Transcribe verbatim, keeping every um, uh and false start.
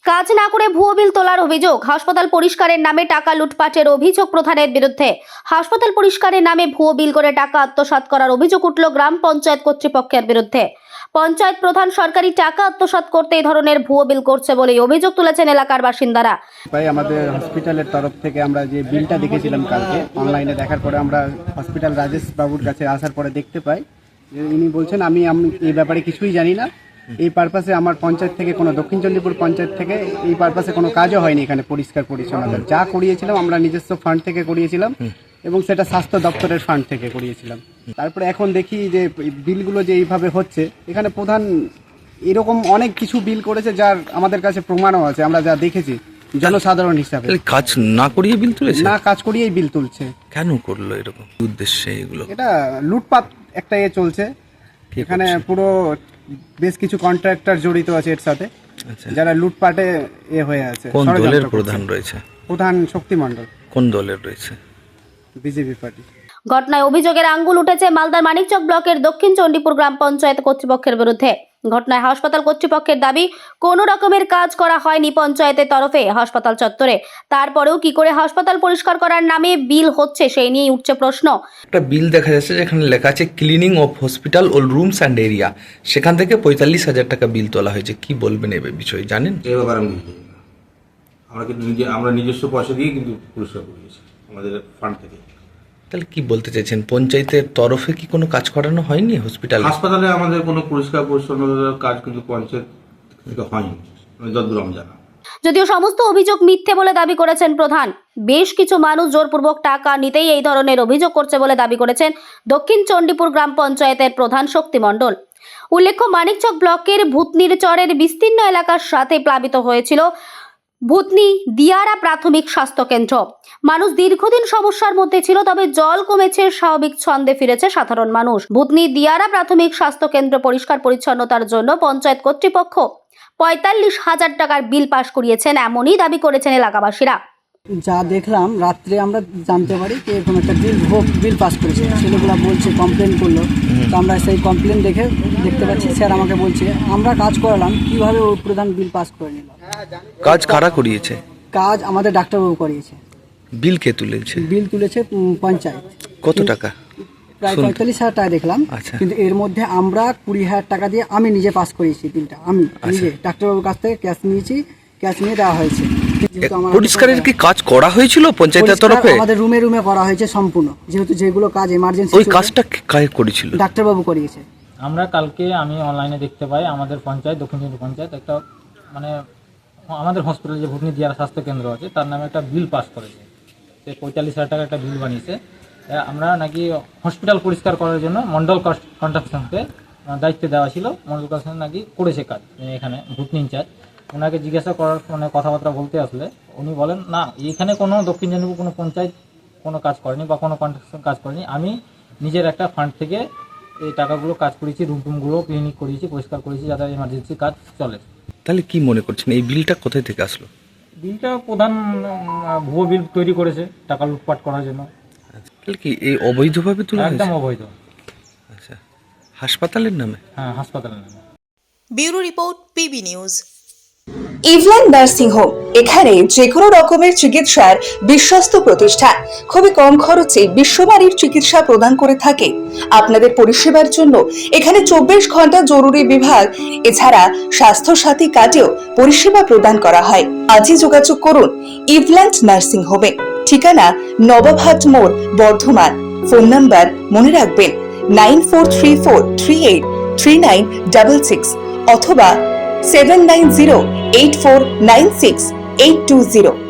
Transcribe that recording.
কাজ না করে ভুয়ো বিল তোলার অভিযোগ। হাসপাতাল পরিষ্কারের নামে টাকা লুটপাটের অভিযোগ প্রধানের বিরুদ্ধে। হাসপাতাল পরিষ্কারের নামে ভুয়ো বিল করে টাকা আত্মসাৎ করার অভিযোগ উঠল গ্রাম পঞ্চায়েত কর্তৃপক্ষের বিরুদ্ধে। পঞ্চায়েত প্রধান সরকারি টাকা আত্মসাৎ করতে এই ধরনের ভুয়ো বিল করছে বলে অভিযোগ তুলেছেন এলাকার বাসিন্দারা। ভাই, আমাদের হসপিটালের তরফ থেকে আমরা যে বিলটা দেখেছিলাম কালকে অনলাইনে দেখার পরে আমরা হসপিটাল রাজেশ বাবুর কাছে আসার পরে দেখতে পাই যে ইনি বলছেন আমি আমি এই ব্যাপারে কিছুই জানি না। এই পারপাসে আমার পঞ্চায়েত থেকে কোনো দক্ষিণ চণ্ডীপুর পঞ্চায়েত থেকে এই পারপাসে কোনো কাজও হয়নি এখানে পরিষ্কার পরিচ্ছন্নতা। যা করিয়েছিলাম আমরা নিজস্ব ফান্ড থেকে করিয়েছিলাম এবং সেটা স্বাস্থ্য দপ্তরের ফান্ড থেকে করিয়েছিলাম। তারপরে এখন দেখি যে বিলগুলো যে এইভাবে হচ্ছে, এখানে প্রধান এরকম অনেক কিছু বিল করেছে যার আমাদের কাছে প্রমাণও আছে, আমরা যা দেখেছি জনসাধারণ হিসাবে। কাজ না করিয়ে বিল তুলেছে? না কাজ করিয়েই বিল তুলছে। কেন করলো এরকম উদ্দেশ্যে? এগুলো এটা লুটপাট একটা এ চলছে এখানে। পুরো বেশ কিছু কন্ট্রাক্টর জড়িত আছে এর সাথে, যারা লুটপাটে এ হয়ে আছে। কোন দলের প্রধান রয়েছে? প্রধান শক্তি মণ্ডল। কোন দলের রয়েছে? BJP party. ঘটনায় অভিযোগের আঙ্গুল উঠেছে মালদার মানিকচক ব্লকের দক্ষিণ চণ্ডীপুর গ্রাম পঞ্চায়েত কর্তৃপক্ষের বিরুদ্ধে। ঘটনায় হাসপাতাল কর্তৃপক্ষের দাবি কোনো রকমের কাজ করা হয়নি পঞ্চায়েতের তরফে হাসপাতাল চত্বরে। তারপরেও কি করে হাসপাতাল পরিষ্কার করার নামে বিল হচ্ছে সেই নিয়ে উঠছে প্রশ্ন। একটা বিল দেখা যাচ্ছে যেখানে লেখা আছে ক্লিনিং অফ হসপিটাল ও রুমস অ্যান্ড এরিয়া, সেখান থেকে পঁয়তাল্লিশ হাজার টাকা বিল তোলা হয়েছে। কি বলবেন এ বিষয়ে? জানেন এই ব্যাপারে আমি বুঝি না। আমরা কিন্তু নিজে আমরা নিজস্ব পয়সা দিয়ে কিন্তু পরিষ্কার করিয়েছি আমাদের ফান্ড থেকে। তাহলে কি বলতে চাইছেন, পঞ্চায়েতের তরফে কি কোনো কাজ করানো হয়নি হসপিটালে? হাসপাতালে আমাদের কোনো পরিষ্কার পরিচ্ছন্নতার কাজ কিন্তু পঞ্চায়েত থেকে হয়নি যতদূর আমি জানা। যদিও সমস্ত অভিযোগ মিথ্যে বলে দাবি করেছেন প্রধান। বেশ কিছু মানুষ জোরপূর্বক টাকা নিতেই এই ধরনের অভিযোগ করছে বলে দাবি করেছেন দক্ষিণ চণ্ডীপুর গ্রাম পঞ্চায়েতের প্রধান শক্তি মণ্ডল। উল্লেখ্য, মানিকচক ব্লকের ভূতনির চরের বিস্তীর্ণ এলাকার সাথে প্লাবিত হয়েছিল ভূতনি দিয়ারা প্রাথমিক স্বাস্থ্য কেন্দ্র। মানুষ দীর্ঘদিন সমস্যার মধ্যে ছিল, তবে জল কমেছে, স্বাভাবিক ছন্দে ফিরেছে সাধারণ মানুষ। ভূতনি দিয়ারা প্রাথমিক স্বাস্থ্য কেন্দ্র পরিষ্কার পরিচ্ছন্নতার জন্য পঞ্চায়েত কর্তৃপক্ষ পঁয়তাল্লিশ হাজার টাকার বিল পাশ করিয়েছেন, এমনই দাবি করেছেন এলাকাবাসীরা। যা দেখলাম রাত্রে আমরা জানতে পারি যে এরকম একটা বিল বিল পাস করেছে। ছেলেগুলো বলছে কমপ্লেন করলো, তো আমরা সেই কমপ্লেন দেখে দেখতে পাচ্ছি স্যার আমাকে বলছে আমরা কাজ করালাম, কিভাবে ওই প্রধান বিল পাস করে নিল। কাজ কারা করিয়েছে? কাজ আমাদের ডাক্তারবাবু করিয়েছে। বিল কে তুলেছে? বিল তুলেছে পঞ্চায়েত। কত টাকা? প্রায় পঁয়তাল্লিশ হাজার টাকা দেখলাম। কিন্তু এর মধ্যে আমরা কুড়ি হাজার টাকা দিয়ে আমি নিজে পাস করিয়েছি বিলটা। আমি নিজে ডাক্তারবাবুর কাছ থেকে ক্যাশ নিয়েছি, ক্যাশ নিয়ে দেওয়া হয়েছে। পরিষ্কারের কি কাজ করা হয়েছিল পঞ্চায়েতের তরফে? আমাদের রুমে রুমে করা হয়েছে সম্পূর্ণ, যেহেতু যেগুলো কাজ এমার্জেন্সি। ওই কাজটা কে করেছিল? ডাক্তারবাবু করিয়েছে। আমরা কালকে আমি অনলাইনে দেখতে পাই আমাদের পঞ্চায়েত দক্ষিণ চণ্ডীপুর পঞ্চায়েত একটা মানে আমাদের হসপিটাল যে ভূতনি দিয়ারা স্বাস্থ্য কেন্দ্র আছে তার নামে একটা বিল পাস করেছে। সে পঁয়তাল্লিশ হাজার টাকা একটা বিল বানিয়েছে। আমরা নাকি হসপিটাল পরিষ্কার করার জন্য মন্ডল কন্ট্রাকশনকে দায়িত্ব দেওয়া ছিল। মন্ডল কন্ট্রাকশন নাকি করেছে কাজ এখানে ভূতনি ইনচার্জ। ওনাকে জিজ্ঞাসা করার মানে কথাবার্তা বলতে আসলে উনি বলেন না, এখানে কোনো দক্ষিণ চণ্ডীপুর কোনো পঞ্চায়েত কোনো কাজ করেনি বা কোনো কন্ট্রাকশন কাজ করেনি। আমি নিজের একটা ফান্ড থেকে এই টাকাগুলো কাজ করেছি, রুম টুমগুলো ক্লিনিক করিয়েছি, পরিষ্কার করেছি, যাতে এমার্জেন্সি কাজ চলে। তাহলে কি মনে করছেন এই বিলটা কোথায় থেকে আসলো? বিলটা প্রধান ভুয়ো বিল তৈরি করেছে টাকা লুটপাট করার জন্য। তাহলে কি এই অবৈধভাবে তুলে? একদম অবৈধ। আচ্ছা, হাসপাতালের নামে? হ্যাঁ, হাসপাতালের নামে। Bureau report, PB news. Eveland nursing home, এখানে যে কোনো রকমের চিকিৎসার বিশ্বস্ত প্রতিষ্ঠান। খুবই কম খরচে বিশ্বমানের চিকিৎসা প্রদান করে থাকে। আপনাদের পরিষেবার জন্য এখানে চব্বিশ ঘন্টা জরুরি বিভাগ এছাড়া স্বাস্থ্য সাথী কার্ডেও পরিষেবা প্রদান করা হয়। আজই যোগাযোগ করুন ইভল্যান্ড নার্সিং হোমে। ঠিকানা নবাবহাট মোড়, বর্ধমান। ফোন নাম্বার মনে রাখবেন nine four three four three eight three nine double six অথবা seven nine zero eight four nine six eight two zero.